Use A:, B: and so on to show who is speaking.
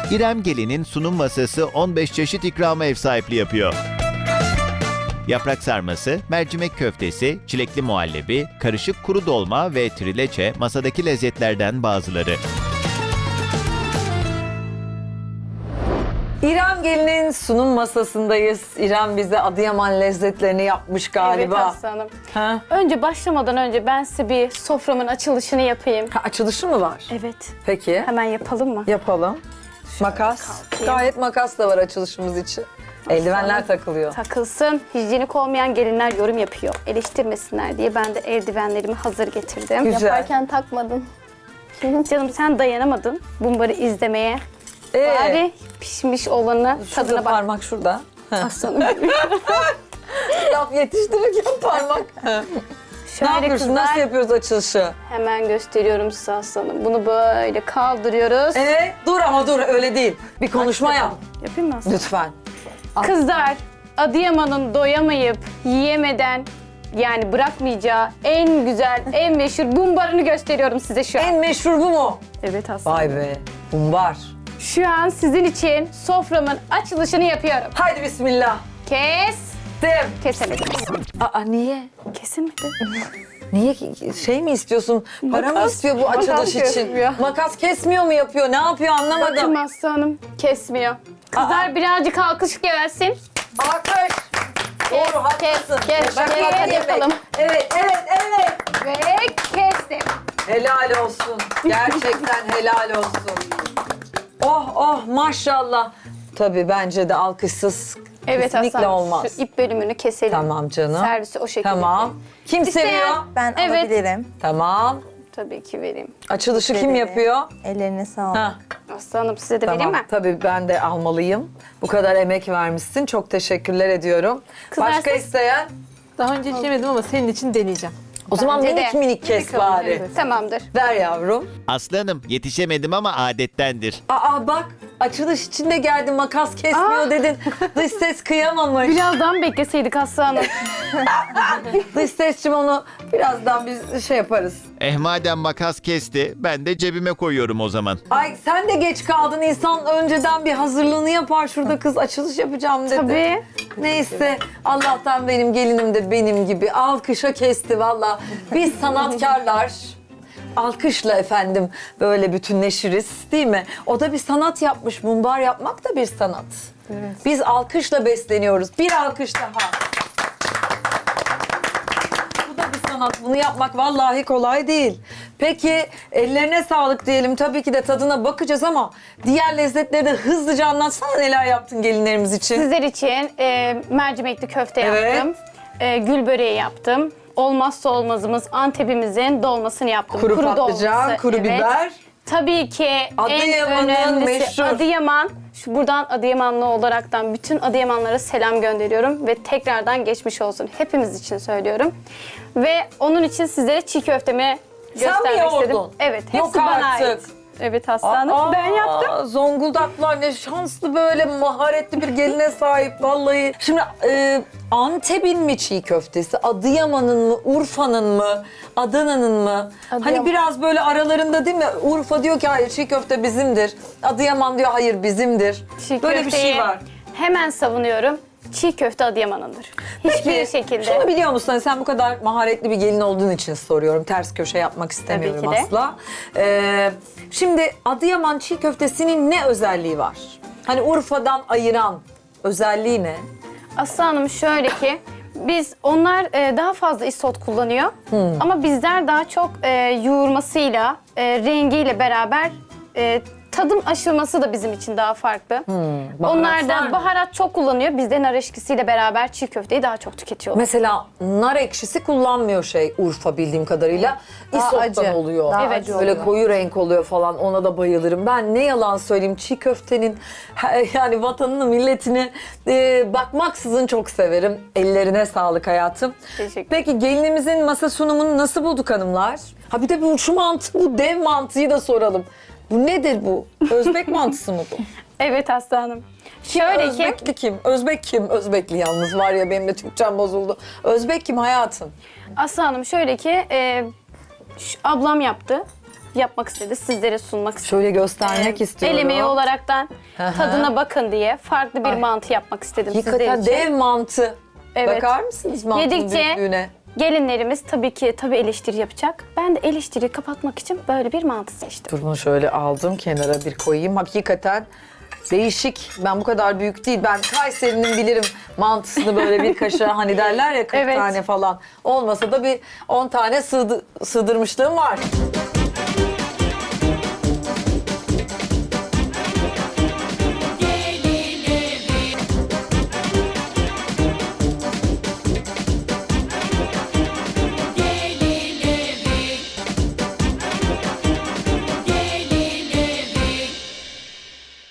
A: İrem Gelin'in sunum masası 15 çeşit ikrama ev sahipliği yapıyor. Yaprak sarması, mercimek köftesi, çilekli muhallebi, karışık kuru dolma ve trileçe masadaki lezzetlerden bazıları.
B: İrem Gelin'in sunum masasındayız. İrem bize Adıyaman lezzetlerini yapmış galiba.
C: Evet aslanım.
B: Ha?
C: Önce başlamadan önce ben size bir soframın açılışını yapayım.
B: Ha, açılışı mı var?
C: Evet.
B: Peki.
C: Hemen yapalım mı?
B: Yapalım. Makas.
C: kalkayım.
B: Gayet makas da var açılışımız için. Eldivenler takılıyor.
C: Takılsın. Hijyenik olmayan gelinler yorum yapıyor. Eleştirmesinler diye ben de eldivenlerimi hazır getirdim.
B: Güzel.
C: Yaparken takmadın. Canım sen dayanamadın bunları izlemeye. Bari pişmiş olanı
B: Şurada
C: tadına bak.
B: parmak şurada.
C: Aslanım.
B: Laf yetiştirirken parmak. Ne
C: Şöyle
B: yapıyorsun?
C: kızlar,
B: Nasıl yapıyoruz açılışı?
C: hemen gösteriyorum size aslanım. Bunu böyle kaldırıyoruz.
B: Dur ama dur öyle değil. Bir konuşma yap.
C: Yapayım mı aslanım?
B: Lütfen.
C: Kızlar, Adıyaman'ın doyamayıp yiyemeden yani bırakmayacağı en güzel, en meşhur bumbarını gösteriyorum size şu an.
B: En meşhur bu mu?
C: Evet aslında.
B: Vay be. Bumbar.
C: Şu an sizin için soframın açılışını yapıyorum.
B: Haydi bismillah.
C: Kesemedim.
B: Aa niye?
C: Kesilmedi.
B: Niye şey mi istiyorsun? Para mı istiyor bu
C: makas
B: açılış için?
C: kesmiyor.
B: Makas kesmiyor mu yapıyor? Ne yapıyor anlamadım.
C: Bakın aslanım kesmiyor. Kızlar birazcık alkış gelsin.
B: Alkış. Doğru haklısın.
C: kes,
B: Bak,
C: kes,
B: bak,
C: hadi
B: yemek.
C: yapalım.
B: Evet.
C: Ve kestim.
B: Helal olsun. Gerçekten helal olsun. Oh maşallah. Tabii bence de alkışsız
C: Evet
B: kesinlikle
C: aslanım.
B: olmaz.
C: Şu ip bölümünü keselim.
B: Tamam canım.
C: Servisi o şekilde.
B: Tamam. Kim
C: İsteyen-
B: seviyor?
D: Ben
C: Evet.
D: alabilirim.
B: Tamam.
C: Tabii ki vereyim.
B: Açılışı kim
D: Ederim.
B: yapıyor?
D: Ellerine sağlık.
B: Ha.
C: Aslanım size de vereyim
B: Tamam.
C: mi?
B: Tabii ben de almalıyım. Bu kadar emek vermişsin. Çok teşekkürler ediyorum.
C: Kızlar
B: Başka
C: siz-
B: isteyen?
E: Daha önce hiç yemedim ama senin için deneyeceğim.
B: O zaman
C: Bence de.
B: minik minik kes bari.
E: evet.
C: Tamamdır.
B: Ver yavrum.
A: Aslanım yetişemedim ama adettendir.
B: Aa bak açılış içinde geldi makas kesmiyor dedin. Dış ses kıyamamış.
C: Birazdan bekleseydik aslanım.
B: Dış sesçim onu birazdan biz şey yaparız.
A: Madem makas kesti ben de cebime koyuyorum o zaman.
B: Ay sen de geç kaldın. İnsan önceden bir hazırlığını yapar. Şurada kız açılış yapacağım dedi.
C: Tabii.
B: Neyse Allah'tan benim gelinim de benim gibi alkışa kesti valla. Biz sanatkarlar alkışla efendim böyle bütünleşiriz değil mi? O da bir sanat yapmış. Mumbar yapmak da bir sanat.
E: Evet.
B: Biz alkışla besleniyoruz. Bir alkış daha. Bu da bir sanat. Bunu yapmak vallahi kolay değil. Peki ellerine sağlık diyelim. Tabii ki de tadına bakacağız ama diğer lezzetleri de hızlıca anlatsana neler yaptın gelinlerimiz için.
C: Sizler için mercimekli köfte
B: Evet.
C: yaptım. Gül böreği yaptım. Olmazsa olmazımız Antep'imizin dolmasını yaptım.
B: Kuru patlıcan,
C: dolması,
B: kuru
C: evet.
B: biber.
C: Tabii ki
B: Adıyaman'ın
C: en önemlisi
B: meşhur.
C: Adıyaman. Buradan Adıyamanlı olaraktan bütün Adıyamanlara selam gönderiyorum ve tekrardan geçmiş olsun. Hepimiz için söylüyorum. Ve onun için sizlere çiğ köftemi
B: Sen mi
C: göstermek
B: yoğurdun?
C: istedim. Evet, hepsi
B: Yok
C: bana
B: artık.
C: ait. Evet aslanım. Ben yaptım.
B: Zonguldaklılar ne şanslı böyle maharetli bir geline sahip vallahi. Şimdi Antep'in mi çiğ köftesi, Adıyaman'ın mı, Urfa'nın mı, Adana'nın mı? Hani
C: Adıyaman.
B: biraz böyle aralarında değil mi? Urfa diyor ki hayır çiğ köfte bizimdir. Adıyaman diyor hayır bizimdir.
C: Çiğ
B: Böyle bir
C: köfteyi
B: şey var.
C: hemen savunuyorum. Çiğ köfte Adıyaman'ındır. Hiçbir
B: Peki,
C: şekilde.
B: Şunu biliyor musun? Hani sen bu kadar maharetli bir gelin olduğun için soruyorum. Ters köşe yapmak istemiyorum
C: Tabii ki de.
B: asla. Şimdi Adıyaman çiğ köftesinin ne özelliği var? Hani Urfa'dan ayıran özelliği ne?
C: Aslı Hanım şöyle ki onlar daha fazla isot kullanıyor. Ama bizler daha çok yoğurmasıyla, rengiyle beraber tadım aşılması da bizim için daha farklı. Onlar
B: var
C: da
B: mı?
C: baharat çok kullanıyor. Bizde nar eşkisiyle beraber çiğ köfteyi daha çok tüketiyorlar.
B: Mesela nar ekşisi kullanmıyor Urfa bildiğim kadarıyla.
D: Daha
B: İsot'tan
D: acı.
B: oluyor.
D: Daha
C: Evet.
D: acı
B: Böyle
D: oluyor.
B: koyu renk oluyor falan ona da bayılırım. Ben ne yalan söyleyeyim çiğ köftenin yani vatanını milletini bakmaksızın çok severim. Ellerine sağlık hayatım.
C: Teşekkür.
B: Peki gelinimizin masa sunumunu nasıl bulduk hanımlar? Ha bir de şu mantı bu dev mantıyı da soralım. Bu nedir bu? Özbek mantısı mı bu?
C: Evet Aslı Hanım. Şöyle ki
B: Özbekli kim? Özbek kim? Özbekli yalnız var ya benim de Türkçem bozuldu. Özbek kim hayatım?
C: Aslı Hanım şöyle ki ablam yaptı. yapmak istedi. Sizlere sunmak istedi.
B: Şöyle göstermek istiyorum.
C: El emeği olaraktan
B: hı.
C: tadına bakın diye farklı bir
B: Ay.
C: mantı yapmak istedim
B: Hakikaten
C: sizler için.
B: dev mantı.
C: Evet.
B: Bakar mısınız mantının
C: Yedikçe
B: büyüklüğüne?
C: gelinlerimiz tabii eleştiri yapacak. Ben de eleştiriyi kapatmak için böyle bir mantı seçtim.
B: Dur bunu şöyle aldım kenara bir koyayım. Hakikaten değişik. Ben bu kadar büyük değil. Ben Kayseri'nin bilirim mantısını böyle bir kaşığa hani derler ya 40
C: Evet.
B: tane falan. Olmasa da bir 10 tane sığdırmışlığım var.